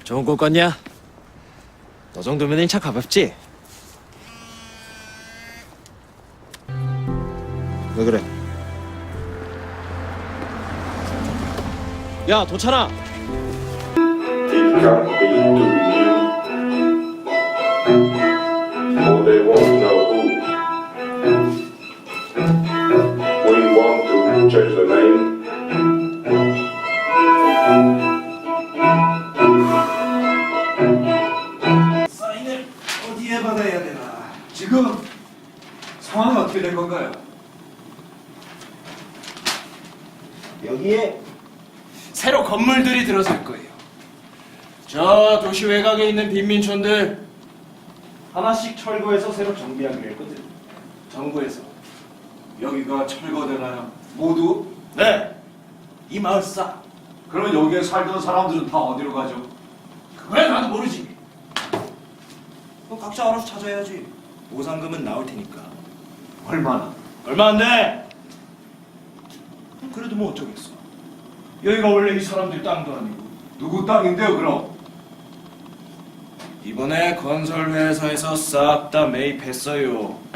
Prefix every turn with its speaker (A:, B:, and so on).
A: 좋은 꿈 꿨냐? 너 정도면 인차 가볍지? 왜 그래? 야, 도찬아!
B: It can't be to you, or they won't know who. We want to change the name.
C: 사인을 어디에 받아야 되나? 지금 상황은 어떻게 된 건가요?
D: 여기에
C: 새로 건물들이 들어설 거예요. 저 도시 외곽에 있는 빈민촌들
D: 하나씩 철거해서 새로 정비하기로 했거든.
C: 정부에서.
E: 여기가 철거되나요? 모두?
C: 네, 이 마을 싸.
E: 그러면 여기에 살던 사람들은 다 어디로 가죠?
C: 그래 나도 모르지.
D: 뭐 각자 알아서 찾아야지. 보상금은 나올 테니까.
E: 얼마나?
C: 얼마 안 돼. 그래도 뭐 어쩌겠어. 여기가 원래 이 사람들 땅도 아니고.
E: 누구 땅인데요 그럼?
C: 이번에 건설 회사에서 싹 다 매입했어요.